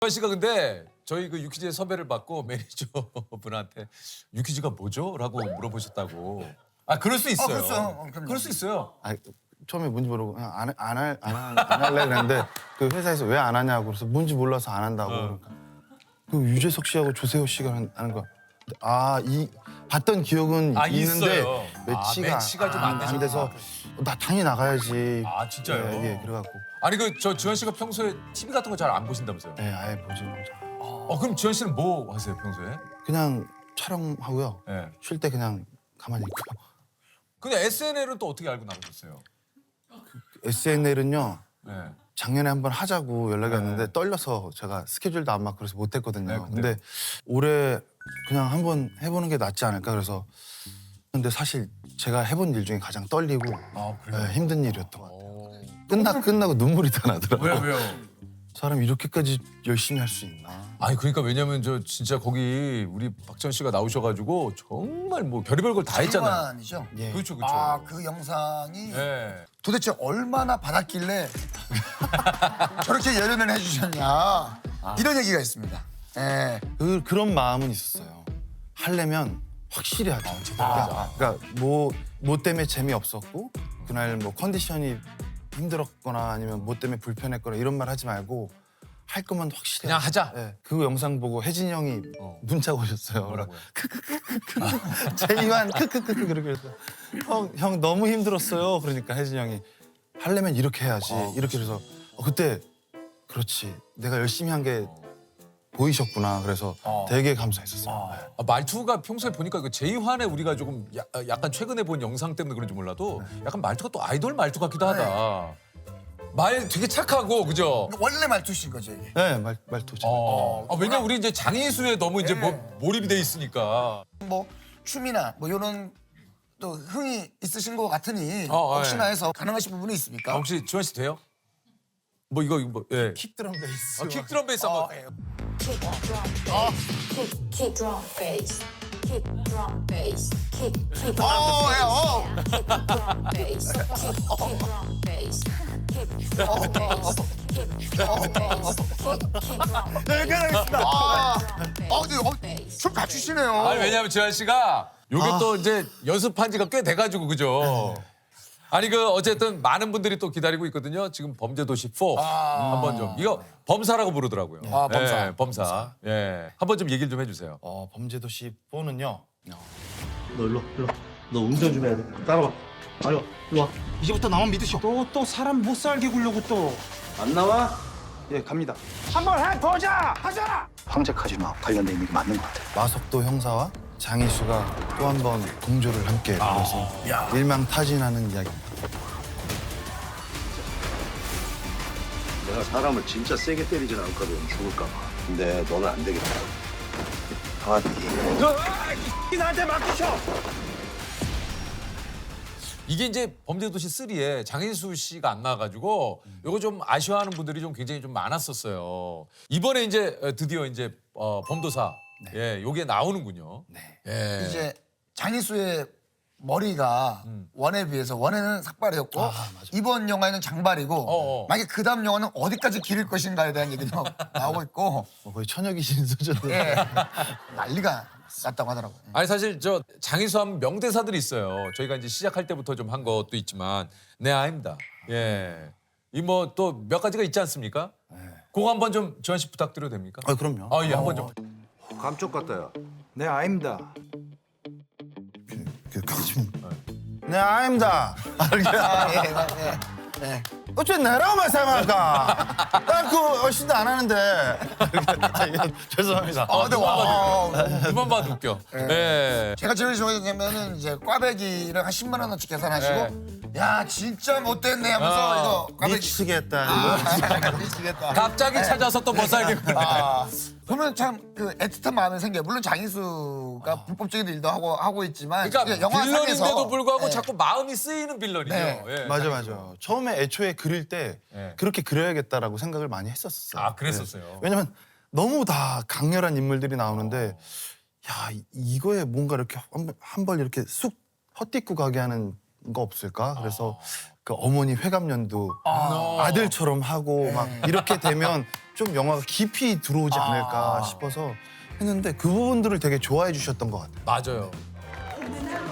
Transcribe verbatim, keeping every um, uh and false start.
주한 씨가 근데 저희 그 유퀴즈의 섭외를 받고 매니저 분한테 유퀴즈가 뭐죠? 라고 물어보셨다고. 아 그럴 수 있어요. 그렇죠. 어, 그럼요. 그럴 수 있어요. 아 처음에 뭔지 모르고 그냥 안 안 할 안 안 할래 그랬는데 그 회사에서 왜 안 하냐고 그래서 뭔지 몰라서 안 한다고. 어. 그러니까 그 유재석 씨하고 조세호 씨가 하는 하는 거. 아 이 봤던 기억은 아, 있는데 있어요. 매치가, 아, 매치가 좀안 안 돼서 나 당연히 나가야지. 아, 진짜요? 예, 예 그래갖고 아니 그 저 주한 씨가 평소에 티비 같은 거 잘 안 보신다면서요? 예 아예 보지 보지. 어 그럼 주한 씨는 뭐 하세요 평소에? 그냥 촬영하고요. 예. 쉴 때 그냥 가만히 있고요. 근데 에스엔엘은 또 어떻게 알고 나가셨어요? 에스엔엘은요. 예. 작년에 한번 하자고 연락이 왔는데 떨려서 제가 스케줄도 안 맞고 그래서 못했거든요. 네, 근데? 근데 올해 그냥 한번 해보는 게 낫지 않을까 그래서 근데 사실 제가 해본 일 중에 가장 떨리고 아 예, 힘든 일이었던 것 같아요. 오. 끝나 끝나고 눈물이 다 나더라고요. 왜요 왜요? 사람 이렇게까지 열심히 할 수 있나? 아니 그러니까 왜냐면 저 진짜 거기 우리 박지원 씨가 나오셔가지고 정말 뭐 별의별 걸 다 했잖아요. 장관이죠. 예. 그렇죠 그렇죠. 아, 그 영상이 예. 도대체 얼마나 받았길래 저렇게 열연을 해주셨냐 이런 얘기가 있습니다. 예. 그 그런 마음은 있었어요. 하려면 확실히 하자. 그러니까, 그러니까 뭐, 뭐 때문에 재미 없었고 그날 뭐 컨디션이 힘들었거나 아니면 뭐 때문에 불편했거나 이런 말 하지 말고 할 거면 확실히 그냥 하자. 예. 그 영상 보고 혜진이 형이 어. 문자가 오셨어요. 뭐라고요? 제이완 크크크크 그렇게 해서 형, 형 너무 힘들었어요. 그러니까 혜진이 형이 하려면 이렇게 해야지. 이렇게 해서 어, 그때 그렇지 내가 열심히 한 게 보이셨구나. 그래서 어. 되게 감사했었어요. 아, 말투가 평소에 보니까 그 제이환의 우리가 조금 야, 약간 최근에 본 영상 때문에 그런지 몰라도 약간 말투가 또 아이돌 말투 같기도 하다. 말 되게 착하고 그죠? 원래 말투신 거죠 이게. 네, 말, 말투 잘. 어. 아, 왜냐 우리 이제 장인수에 너무 이제 뭐, 몰입이 돼 있으니까. 뭐 춤이나 뭐 이런 또 흥이 있으신 것 같으니 어, 혹시나 예. 해서 가능하신 부분이 아, 있습니까? 혹시 주한 씨 돼요? 뭐 이거 이거 뭐 예. 킥 드럼 베이스. 아, 킥 드럼 베이스 한번. 어, 예. Kick drum bass, kick kick drum bass, kick drum bass, kick kick 어, 예, 어. kick drum bass, kick kick drum bass, kick drum bass, kick drum bass, kick kick drum 네, 이렇게 하겠습니다. 아, bass. 아, 근데 어, 춤 갖추시네요. 아니 왜냐면 주한 씨가 요게 또 이제 연습한 지가 꽤 돼가지고 그죠? 아니 그 어쨌든 많은 분들이 또 기다리고 있거든요. 지금 범죄도시 사 한번 좀 이거 범사라고 부르더라고요. 아, 범사. 예, 범사. 예, 한번 좀 얘기를 좀 해주세요. 어, 범죄도시 사는요. 너 일로 와, 일로 와. 너 운전 좀 해야 돼. 따라와. 빨리 와. 일로 와. 이제부터 나만 믿으시오. 또, 또 사람 못 살게 굴려고 또. 안 나와? 예, 갑니다. 한번 해보자! 하자! 황제 카지노 관련돼 있는 게 맞는 것 같아. 마석도 형사와 장희수가 또 한 번 공조를 함께 벌여서 일망타진하는 이야기입니다. 내가 사람을 진짜 세게 때리진 않거든. 죽을까 봐. 근데 너는 안 되겠다. 강아지. 이 나한테 맡기셔! 이게 이제 범죄도시 삼에 장인수 씨가 안 나와가지고 요거 좀 아쉬워하는 분들이 좀 굉장히 좀 많았었어요. 이번에 이제 드디어 이제 어, 범도사 예, 요게 나오는군요. 네. 예. 이제 장희수의 머리가 원에 비해서 원에는 삭발이었고 아, 맞아. 이번 영화에는 장발이고 어어. 만약에 그 다음 영화는 어디까지 기를 것인가에 대한 얘기도 나오고 있고 어, 거의 처녀귀신 수준으로. 예. 난리가 났다고 하더라고요. 아니 사실 저 장인수 하면 명대사들이 있어요. 저희가 이제 시작할 때부터 좀 한 것도 있지만 네 아닙니다. 예. 이 뭐 또 몇 가지가 있지 않습니까? 그거 한번 좀 주한 씨 부탁드려도 됩니까? 아, 그럼요. 아 예, 한번 좀. 감쪽 같다야. 네, 아닙니다. 그, 그, 좀. 네, 아닙니다. 아, 예, 예, 예. 어째 내라고 말씀할까? 난그 얼씬도 안 하는데. 죄송합니다. 아, 근데 와. 그만 봐도 웃겨. 예. 제가 제일 좋아하냐면은 이제 꽈배기를 한 십만 원어치 계산하시고 야 진짜 못됐네 하면서 어. 이거 꽈배기 미치겠다. 아, 미치겠다. 갑자기 찾아서 또 못 살게. 아, 보면 참 그 애틋한 마음이 생겨요. 물론 장희수가 불법적인 일도 하고 하고 있지만 그러니까 이게 영화상에서 빌런인데도 불구하고 예. 자꾸 마음이 쓰이는 빌런이죠. 네. 예. 맞아, 맞아. 처음에 애초에 그릴 때 네. 그렇게 그려야겠다라고 생각을 많이 했었어요. 아, 그랬었어요? 네. 왜냐면 너무 다 강렬한 인물들이 나오는데 야, 이- 이거에 뭔가 이렇게 한 벌 이렇게 쑥 헛디고 가게 하는 거 없을까? 그래서 그 어머니 회감년도 아들처럼 하고 막 이렇게 되면 좀 영화가 깊이 들어오지 않을까 싶어서 했는데 그 부분들을 되게 좋아해 주셨던 것 같아요. 맞아요.